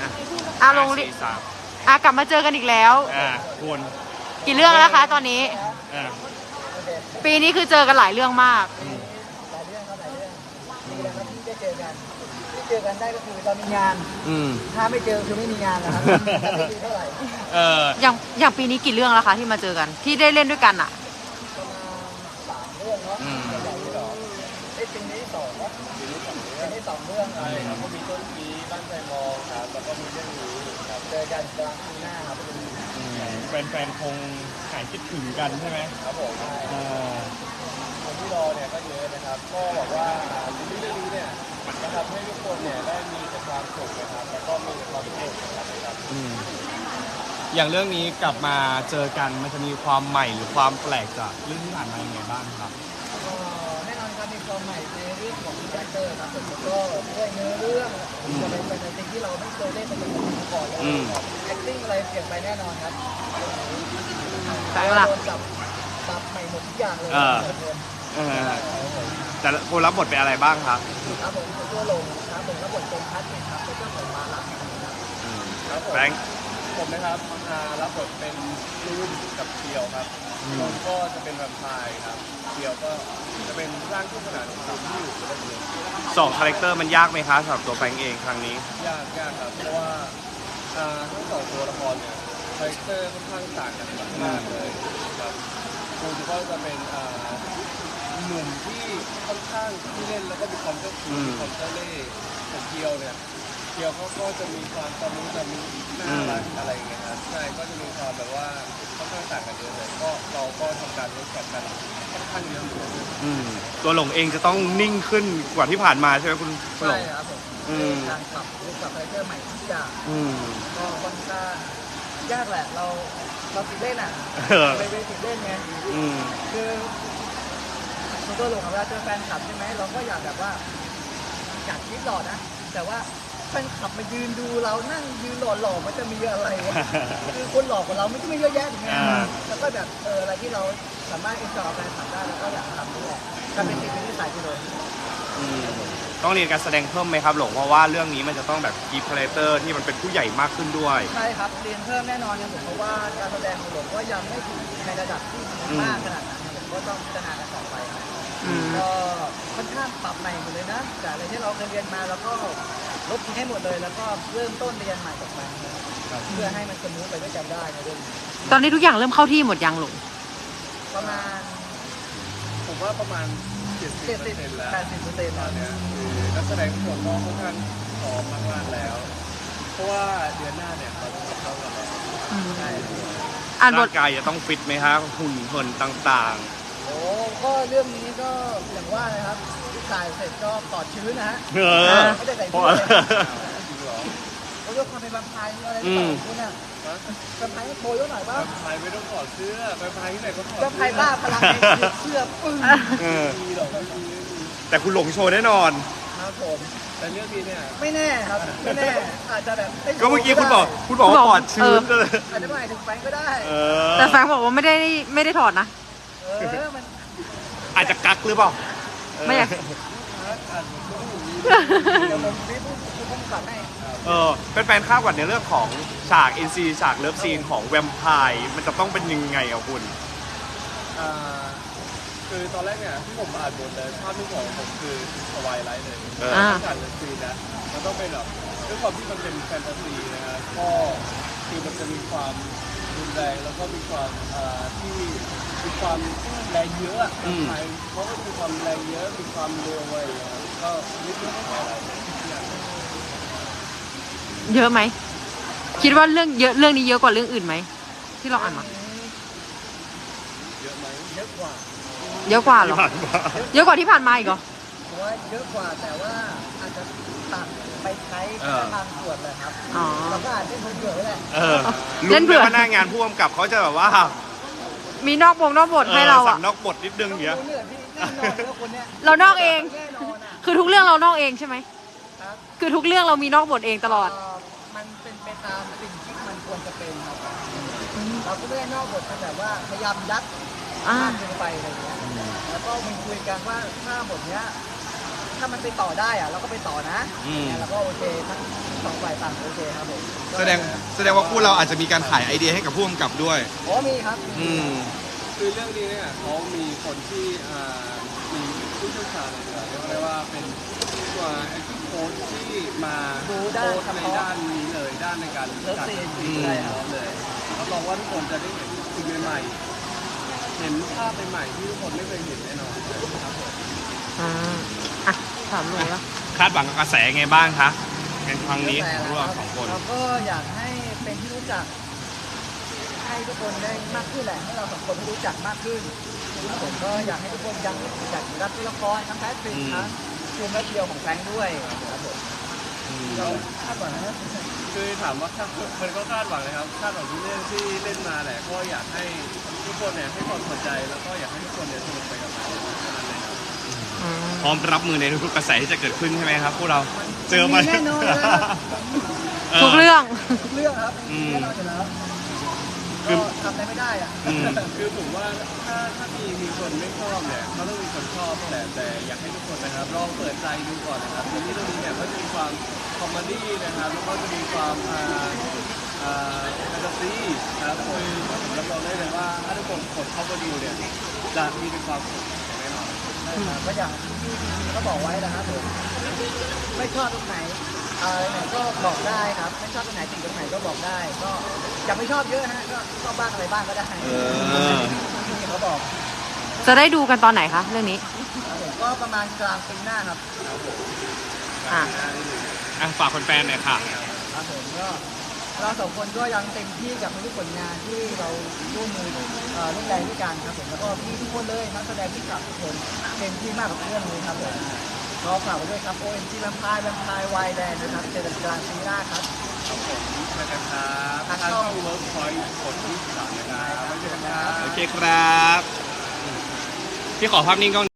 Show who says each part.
Speaker 1: ลงกลับมาเจอกันอีกแล้ว
Speaker 2: คุณ
Speaker 1: กี่เรื่องแล้วคะตอนนี้ปีนี้คือเจอกันหลายเรื่องมาก
Speaker 3: หลายเรื่องครับหลายเรื่องมีอะไรที่ได้เจอกันที่เจอกันได้ก็คือตอนมีงานถ้าไม่เจอคือไม่มีงานนะครับไม่ดีเท่าไหร่
Speaker 1: อย่างปีนี้กี่เรื่องแล้วคะที่มาเจอกันที่ได้เล่นด้วยกันอ่ะ
Speaker 3: ประมาณ3 เรื่องเนาะใหญ่ที่ปีนี้2ครับปีนี้2 เรื่องครับก็มีต้นปีบ้านใจมองครับแล้วก็มีเรื่องนี้ครับเจอกันกลางปีหน้าครับ
Speaker 2: แฟนคงหายคิดถึงกันใช่ไหม
Speaker 3: ครับผมคนที่รอเนี่ยก็เยอะนะครับก็บอกว่าซีรีส์เรื่องนี้เนี่ยจะทำให้ทุกคนเนี่ยได้มีแต่ความสุขนะครับแล้วก็มีความสุขนะครับ
Speaker 2: อย่างเรื่องนี้กลับมาเจอกันมันจะมีความใหม่หรือความแปลกจากเรื่องที่ผ่านมาอย่างไรบ้างครับ
Speaker 3: แน่นอนครับมีความใหม่ในเรื่องของคาแรคเตอร์ครับผมแล้วก็ด้วยเนื้อเรื่องจะเป็นสิ่งที่เราไม่เคยเล่นมาก่อนเลย acting อะไรเปลี่ยนไปแน่นอนครับ
Speaker 1: ใช่ละ
Speaker 3: ปรับใหม่หมดทุกอย่างเลย
Speaker 2: แต่คนรับบทเป็นอะไรบ้างครับ
Speaker 3: ครับผมตัวลงครับผมรับบทเป็นพัดครับเป็นเจ้าของร้านครับผม
Speaker 2: แบงค์
Speaker 3: ผมนะครับรับบทเป็นจูนกับเคียวครับจูนก็จะเป็นแวมไพร์ครับเคียวก็จะเป็นร่างคู่ขนานของที่อยู่ในเรื่อง
Speaker 2: 2 คาแรคเตอร์มันยากไหมคะสำหรับตัวแบงค์เองครั้งนี้
Speaker 3: ยากครับเพราะว่าทั้ง2 ตัวละครเนี่ยคาแรคเตอร์ค่อนข้างต่างกันมากเลยครับจูนก็จะเป็นหนุ่มที่ค่อนข้างที่เล่นแล้วก็มีความเจ้าชู้มีความเจ้าเล่ห์แต่เคียวเนี่ยเคียวเขาก็จะมีความตะมุตะมิน่ารักอะไรอย่างเงี้ยครับใช่ก็จะมีความแบบว่าค่อนข้างต่างกันเยอะเลยก็เราก็ทำการเวิร์กช็อปกันค่อนข้างเยอะอยู่
Speaker 2: ตัวหลงเองจะต้องนิ่งขึ้นกว่าที่ผ่านมาใช่ไหมคุณหลง
Speaker 3: ใช่ครับผมการปรับคาแรคเตอร์ใหม่ทุกอย่างก็ค่อนข้างยากแหละเราติดเล่นไปติดเล่นไงคือตัวหลงของเราเจอแฟนคลับใช่ไหมเราก็อยากแบบว่าอยากคิดหล่อนะแต่ว่าแฟนคลับมายืนดูเรานั่งยืนหล่อๆมันจะมีอะไรวะคือคนหล่อกว่าเราไม่ใช่เยอะแยะอย่างเงี้ยแล้วก็แบบอะไรที่เราสามารถเอ็นจอยแฟนคลับได้แล้วก็อยากทำด้วยการเป็นสิ่งที่ใส่ไปเลย
Speaker 2: ต้องเรียนการแสดงเพิ่มไหมครับหลงเพราะว่าเรื่องนี้มันจะต้องแบบกีฟคาแรคเตอร์ที่มันเป็นผู้ใหญ่มากขึ้นด้วย
Speaker 3: ใช่ครับเรียนเพิ่มแน่นอนครับผมเพราะว่าการแสดงของหลงก็ยังไม่ถึงในระดับที่มากขนาดนั้นผมก็ต้องพัฒนากันต่อไปครับก็ค่อนข้างปรับใหม่หมดเลยนะจากอะไรที่เราเคยเรียนมาแล้วก็ลบทิ้งให้หมดเลยแล้วก็เริ่มต้นเรียนใหม่จากใหม่เพื่อให้มันสมูทไปด้วยกันได้ในเรื่อง
Speaker 1: ตอนนี้ทุกอย่างเริ่มเข้าที่หมดยังหลง
Speaker 3: ประมาณผมว่าประมาณ70%แล้ว80%ตอนนี้คือนักแสดงทุกคนก็ค่อนข้างพร้อมมากๆแล้วเพราะว่าเดือนหน้าเนี่ยเราจะเข้ากันแล้วใช่
Speaker 2: ร่างกายจะต้องฟิตไหมครับหุ่นเหินต่าง
Speaker 3: ๆโอ้ก็เรื่องนี้ก็อย่างว่าเลยครับถ่ายเสร็จก็ปลอดชื้นนะฮะไม่ได้ใส่เสื้อเขายกความเป็นบัมพายอะไรต่างๆเนี่ยบัมพายโชว์เยอะหน่อยบ้างบัมพายไม่ต้องถอดเสื้อบัมพายที่ไหนก็ถอดบัมพายบ้าพลังเสื้อปึ้ง
Speaker 2: แต่คุณหลงโชว์แน่นอน
Speaker 3: ครับผมแต่เรื่องนี้เนี่ยไม่แน่ครับไม่แน่อาจจะแบบ
Speaker 2: ก็เมื่อกี้คุณบอกว่าปลอดชื้น
Speaker 3: อาจจะหมายถึงแฟนก็ได้
Speaker 1: แต่แฟนบอกว่าไม่ได้ถอดนะ
Speaker 3: มัน
Speaker 2: อาจจะกักหรือเปล่า
Speaker 1: ไม่อยาก
Speaker 2: แฟนๆคาดหวังในเรื่องของฉาก NC ฉากเลิฟซีนของแวมไพร์มันจะต้องเป็นยังไงอ่ะคุณ
Speaker 3: คือตอนแรกเนี่ยที่ผมอ่านบทเลยภาพที่ของผมคือสวายไลท์เลยฉากเลิฟซีนนะมันต้องเป็นแบบด้วยความที่มันเป็นแฟนตาซีนะฮะก็คือมันจะมีความรุนแรงแล้วก็มีความที่มีความแรงเยอะไทยเพราะว่ามีความแรงเยอะมีความเร็วอะไรอย่างเงี้ยก็นิดนึงอะไร
Speaker 1: เยอะไหมคิดว่าเรื่องนี้เยอะกว่าเรื่องอื่นไหมที่เราอ่านมา
Speaker 3: เยอะไหมเยอะกว่า
Speaker 1: เยอะกว่าเหรอเยอะกว่าที่ผ่านมาอีกเหรอ
Speaker 3: ผมว่าเยอะกว่าแต่ว่าอาจจะตัดไปใช้ทางส่วนเลยครับเราก็อาจจะเล่นเผื่อไว้แหละ
Speaker 2: เล่นเผื่อหน้างานผู้กำกับเขาจะแบบว่า
Speaker 1: มีนอกบทให้เรา
Speaker 2: สั่งนอกบทนิดนึงอย่างเงี้ย
Speaker 1: เรานอกเองคือทุกเรื่องเรานอกเองใช่ไหมคือทุกเรื่องเรามีนอกบทเองตลอด
Speaker 3: มันเป็นไปตามสิ่งที่มันควรจะเป็นครับเราก็ไม่ได้นอกบทแต่ว่าพยายามยัดมากเกินไปอะไรอย่างเงี้ยแล้วก็มีคุยกันว่าถ้าบทเนี้ยถ้ามันไปต่อได้อะเราก็ไปต่อนะแล้วก็โอเคทั้ง2 ฝ่ายต่างครับโอเคครับผม
Speaker 2: แสดงว่าคู่เราอาจจะมีการขายไอเดียให้กับผู้กำกับด้วย
Speaker 3: โอ้มีครับ
Speaker 2: อืม
Speaker 4: คือเรื่องนี้เนี่ยเขามีคนที่มีผู้เชี่ยวชาญเลยเรียกได้ว่าเป็นตัว acting coach ที่มาโค้ชในด้านนี้เลยด้านในการจัดซีนได้เลยรับรองว่าทุกคนจะได้เห็นสิ่งใหม่ๆเห็นภาพใหม่ๆที่ทุกคนไม่เคยเห็นแน่นอนครับผม
Speaker 1: อ่ะถามหนูแล้ว
Speaker 2: คาดหวังกับกระแสไงบ้างคะในครั้งนี้ของพวกเราสองคน
Speaker 3: เราก็อยากให้เป็นที่รู้จักให้ทุกคนได้มากขึ้นแหละให้เราสองคนได้รู้จักมากขึ้นครับผมก็อยากให้ทุกคนยังอยากรับตัวละครทั้งแพทริกทั้งทีมและเดียวของแฟรงค์ด้วยครับผมเราคาดหวังนะ
Speaker 4: คือถามว่ามันก็คาดหวังนะครับคาดหวังทุกเรื่องที่เล่นมาแหละก็อยากให้ทุกคนเนี่ยให้ความสนใจแล้วก็อยากให้ทุกคนเนี่ยสนุกไปกับมันเท่านั้นเลยครับ
Speaker 2: พร้อมรับมือในทุกๆกระแสที่จะเกิดขึ้นใช่ไหมครับพวกเราเจอมา
Speaker 3: แน่นอนนะครับ
Speaker 1: ทุกเรื่อง
Speaker 3: ทุกเรื่องครับแน่นอนอยู่แล้วก็ทำอะไรไม่ได้อะ
Speaker 4: คือผมว่าถ้ามีคนไม่ชอบเนี่ยเขาต้องมีคนชอบแต่อยากให้ทุกคนนะครับลองเปิดใจดูก่อนนะครับทีนี้เรื่องนี้เนี่ยก็จะมีความคอมเมดี้นะครับแล้วก็จะมีความแฟนตาซีนะครับผมรับรองได้เลยว่าถ้าทุกคนกดเข้ามาดูเนี่ยจะมีความสุขอย่างแน่นอน
Speaker 3: ก็อย่างที่พี่เขาบอกไว้นะครับผมไม่ชอบตรงไหนอะไรไหนก็บอกได้ครับไม่ชอบตรงไหนติดตรงไหนก็บอกได้ ก็อย่าไม่ชอบเยอะฮะก็ชอบบ้างอะไรบ้างก็ได้ที่เขาบอก
Speaker 1: จะได้ดูกันตอนไหนคะเรื่องนี้
Speaker 3: ครับผมก็ประมาณกลางปีหน้าครับ
Speaker 1: อ่ะ
Speaker 2: ฝากแฟนๆหน่อยค่ะ
Speaker 3: ครับผมก็เราสองคนก็ยังเต็มที่กับทุกผลงานที่เราร่วมมือร่วมแรงด้วยกันครับผมแล้วก็พี่ทุกคนเลยนักแสดงที่กลับทุกคนเต็มที่มากกับเรื่องนี้ครับผมก็ฝากไว้ด้วยครับ OMG แวมไพร์ไวแดนนะครับเจอกันกลางปีหน้าครับ
Speaker 4: ครับผมเจอกันครับทางช่องเวิร์กพอยต์กดที่3นะครับไว้เจอกันครับ
Speaker 2: โอเคครับ พี่ขอภาพนิ่งกล้อง